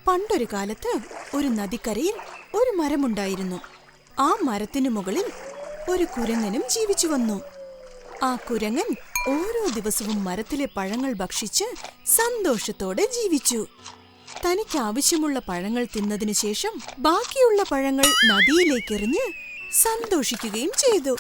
പണ്ടൊരു കാലത്ത് ഒരു നദിക്കരയിൽ ഒരു മരമുണ്ടായിരുന്നു. ആ മരത്തിനു മുകളിൽ ഒരു കുരങ്ങനും ജീവിച്ചു വന്നു. ആ കുരങ്ങൻ ഓരോ ദിവസവും മരത്തിലെ പഴങ്ങൾ ഭക്ഷിച്ച് സന്തോഷത്തോടെ ജീവിച്ചു. തനിക്ക് ആവശ്യമുള്ള പഴങ്ങൾ തിന്നതിനു ശേഷം ബാക്കിയുള്ള പഴങ്ങൾ നദിയിലേക്കെറിഞ്ഞ് സന്തോഷിക്കുകയും ചെയ്തു.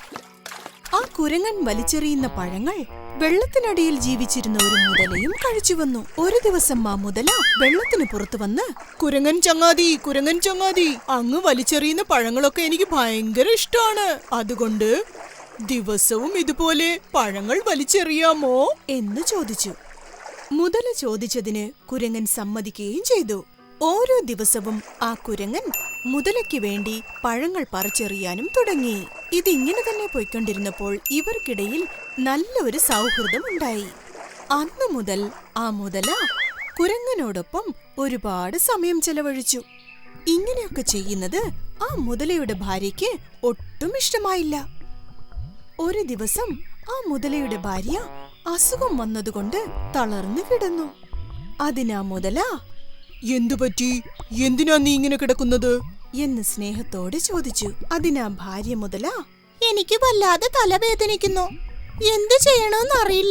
ആ കുരങ്ങൻ വലിച്ചെറിയുന്ന പഴങ്ങൾ വെള്ളത്തിനടിയിൽ ജീവിച്ചിരുന്ന ഒരു മുതലയും കഴിച്ചു വന്നു. ഒരു ദിവസം ആ മുതല വെള്ളത്തിന് പുറത്തു വന്ന്, കുരങ്ങൻ ചങ്ങാതി, അങ്ങ് വലിച്ചെറിയുന്ന പഴങ്ങളൊക്കെ എനിക്ക് ഭയങ്കര ഇഷ്ടമാണ്. അതുകൊണ്ട് ദിവസവും ഇതുപോലെ പഴങ്ങൾ വലിച്ചെറിയാമോ എന്ന് ചോദിച്ചു. മുതല ചോദിച്ചതിന് കുരങ്ങൻ സമ്മതിക്കുകയും ചെയ്തു. ഓരോ ദിവസവും ആ കുരങ്ങൻ മുതലയ്ക്ക് വേണ്ടി പഴങ്ങൾ പറിച്ചെറിയാനും തുടങ്ങി. ഇതിങ്ങനെ തന്നെ പോയിക്കൊണ്ടിരുന്നപ്പോൾ ഇവർക്കിടയിൽ നല്ലൊരു സൗഹൃദം ഉണ്ടായി. അന്നു മുതൽ ആ മുതല കുരങ്ങനോടൊപ്പം ഒരുപാട് സമയം ചെലവഴിച്ചു. ഇങ്ങനെയൊക്കെ ചെയ്യുന്നത് ആ മുതലയുടെ ഭാര്യയ്ക്ക് ഒട്ടും ഇഷ്ടമായില്ല. ഒരു ദിവസം ആ മുതലയുടെ ഭാര്യ അസുഖം വന്നതുകൊണ്ട് തളർന്നു കിടന്നു. അതിനാ മുതല, എന്തുപറ്റി, എന്തിനാ നീ ഇങ്ങനെ കിടക്കുന്നത് എന്ന് സ്നേഹത്തോടെ ചോദിച്ചു. അതിനാ ഭാര്യ മുതല, എനിക്ക് വല്ലാതെ തലവേദനിക്കുന്നു, എന്തു ചെയ്യണമെന്നറിയില്ല.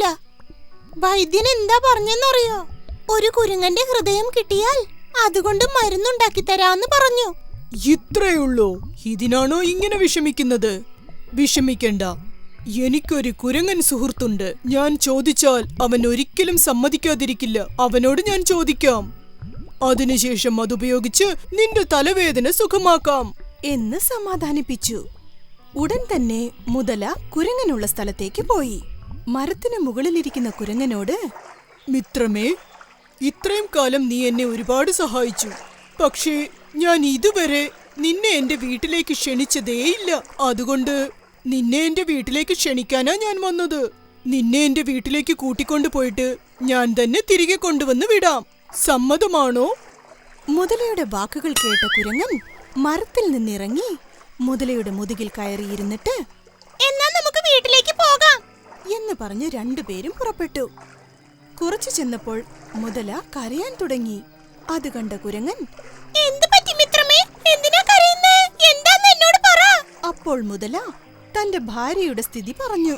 വൈദ്യൻ എന്താ പറഞ്ഞെന്നറിയോ? ഒരു കുരങ്ങന്റെ ഹൃദയം കിട്ടിയാൽ അതുകൊണ്ട് മരുന്നുണ്ടാക്കി തരാന്ന് പറഞ്ഞു. ഇത്രയുള്ളൂ? ഇതിനാണോ ഇങ്ങനെ വിഷമിക്കുന്നത്? വിഷമിക്കണ്ട, എനിക്കൊരു കുരങ്ങൻ സുഹൃത്തുണ്ട്. ഞാൻ ചോദിച്ചാൽ അവൻ ഒരിക്കലും സമ്മതിക്കാതിരിക്കില്ല. അവനോട് ഞാൻ ചോദിക്കാം. അതിനുശേഷം അതുപയോഗിച്ച് നിന്റെ തലവേദന സുഖമാക്കാം എന്ന് സമാധാനിപ്പിച്ചു. ഉടൻ തന്നെ മുതല കുരങ്ങനുള്ള സ്ഥലത്തേക്ക് പോയി. മരത്തിന് മുകളിലിരിക്കുന്ന കുരങ്ങനോട്, മിത്രമേ, ഇത്രയും കാലം നീ എന്നെ ഒരുപാട് സഹായിച്ചു. പക്ഷേ ഞാൻ ഇതുവരെ നിന്നെ എന്റെ വീട്ടിലേക്ക് ക്ഷണിച്ചതേയില്ല. അതുകൊണ്ട് നിന്നെ എന്റെ വീട്ടിലേക്ക് ക്ഷണിക്കാനാ ഞാൻ വന്നത്. നിന്നെ എന്റെ വീട്ടിലേക്ക് കൂട്ടിക്കൊണ്ടു പോയിട്ട് ഞാൻ തന്നെ തിരികെ കൊണ്ടുവന്ന് വിടാം. സമ്മതമാണോ? മുതലയുടെ വാക്കുകൾ കേട്ട കുരങ്ങൻ മരത്തിൽ നിന്നിറങ്ങി മുതലയുടെ മുതുകിൽ കയറിയിരുന്നിട്ട്, എന്നാ നമുക്ക് വീട്ടിലേക്ക് പോകാം എന്ന് പറഞ്ഞ് രണ്ടുപേരും പുറപ്പെട്ടു. കുറച്ചു ചെന്നപ്പോൾ മുതല കരയാൻ തുടങ്ങി. അത് കണ്ട കുരങ്ങൻ, എന്തു പറ്റി മിത്രമേ, എന്തിനാ കരയുന്നേ? എന്താന്ന് എന്നോട് പറ. അപ്പോൾ മുതല തന്റെ ഭാര്യയുടെ സ്ഥിതി പറഞ്ഞു.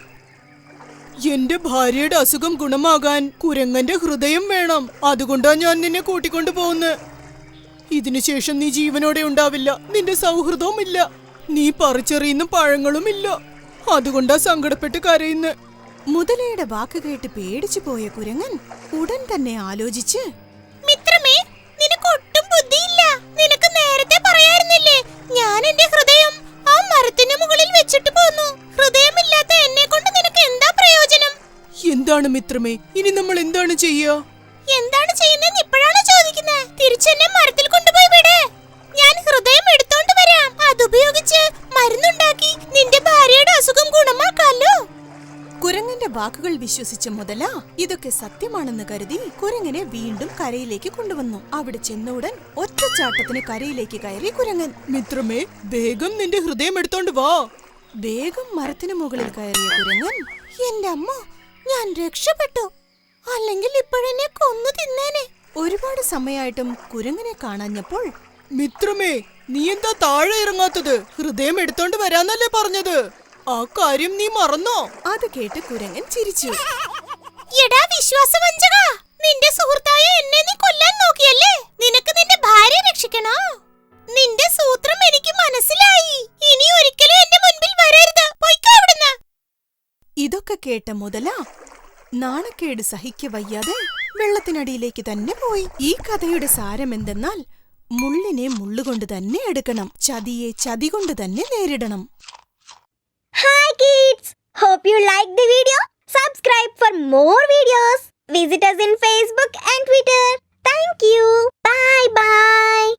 എന്റെ ഭാര്യയുടെ അസുഖം ഗുണമാകാൻ കുരങ്ങന്റെ ഹൃദയം വേണം. അതുകൊണ്ടാ ഞാൻ നിന്നെ കൂട്ടിക്കൊണ്ടു പോകുന്നത്. ഇതിനുശേഷം നീ ജീവനോടെ ഉണ്ടാവില്ല. നിന്റെ സൗഹൃദവും ഇല്ല. നീ പറിച്ചെറിയുന്ന പഴങ്ങളും ഇല്ല. അതുകൊണ്ടാ സങ്കടപ്പെട്ട് കരയുന്നത്. മുതലയുടെ വാക്ക് കേട്ട് പേടിച്ചു പോയ കുരങ്ങൻ ഉടൻ തന്നെ ആലോചിച്ച്, മിത്രമേ, നിനക്ക് ഒട്ടും ബുദ്ധിയില്ല. നിനക്ക് നേരത്തെ പറയായിരുന്നില്ലേ ഞാൻ എന്റെ ഹൃദയം ആ മരത്തിന് മുകളിൽ വെച്ചിട്ട് പോന്നു. ഹൃദയമില്ലാത്ത എന്നെ കൊണ്ട് നിനക്ക് എന്താ പ്രയോജനം? എന്താണ് മിത്രമേ, ഇനി നമ്മൾ എന്താണ് ചെയ്യുക? എന്താണ് ചെയ്യുന്നതെന്ന് ഇപ്പോഴാണ് ചോദിക്കുന്നത്? തിരിച്ചെന്നെ മരത്തിൽ കൊണ്ടുപോയി വിട്. ഞാൻ ഹൃദയം എടുത്തോണ്ട് വരാം. അതുപയോഗിച്ച് മരുന്നുണ്ടാക്കി നിന്റെ ഭാര്യയുടെ അസുഖം ഗുണമാക്കാലോ. കുരങ്ങന്റെ വാക്കുകൾ വിശ്വസിച്ച മുതല ഇതൊക്കെ സത്യമാണെന്ന് കരുതി കുരങ്ങനെ വീണ്ടും കരയിലേക്ക് കൊണ്ടുവന്നു. അവിടെ ചെന്നുടൻ ഒറ്റച്ചാട്ടത്തിന് കരയിലേക്ക് കയറി കുരങ്ങൻ. മിത്രമേ, വേഗം നിന്റെ ഹൃദയം എടുത്തോണ്ട് വാ. വേഗം മരത്തിന് മുകളിൽ കയറിയ കുരങ്ങൻ, എന്റെ അമ്മ, ഞാൻ രക്ഷപ്പെട്ടു. അല്ലെങ്കിൽ ഇപ്പോഴെന്നെ കൊന്നു തിന്നേനെ. ഒരുപാട് സമയമായിട്ടും കുരങ്ങനെ കാണാഞ്ഞപ്പോൾ, മിത്രമേ, നീ എന്താ താഴെ ഇറങ്ങാത്തത്? ഹൃദയം എടുത്തോണ്ട് വരാന്നല്ലേ പറഞ്ഞത്? ആ കാര്യം നീ മറന്നോ? അത് കേട്ട് കുരങ്ങൻ ചിരിച്ചു. എടാ വിശ്വാസവഞ്ചക, നിന്റെ സുഹൃത്തായ എന്നെ നീ കൊല്ലാൻ നോക്കിയല്ലേ? നിനക്ക് നിന്റെ ഭാര്യ രക്ഷിക്കണോ? നിന്റെ സൂത്രം എനിക്ക് മനസ്സിലായി. ഇനി ഒരിക്കലും എന്റെ മുൻപിൽ വരരുത്. പൊയ്ക്കോ ഇവിടുന്ന്. ഇതൊക്കെ കേട്ട മുതല നാണക്കേട് സഹിക്കവയ്യാതെ വെള്ളത്തിനടിയിലേക്ക് തന്നെ പോയി. ഈ കഥയുടെ സാരം എന്തെന്നാൽ, മുള്ളിനെ മുള്ളുകൊണ്ട് തന്നെ എടുക്കണം, ചതിയെ ചതി കൊണ്ട് തന്നെ നേരിടണം. Hi kids! Hope you liked the video. Subscribe for more videos. Visit us in Facebook and Twitter. Thank you. Bye bye.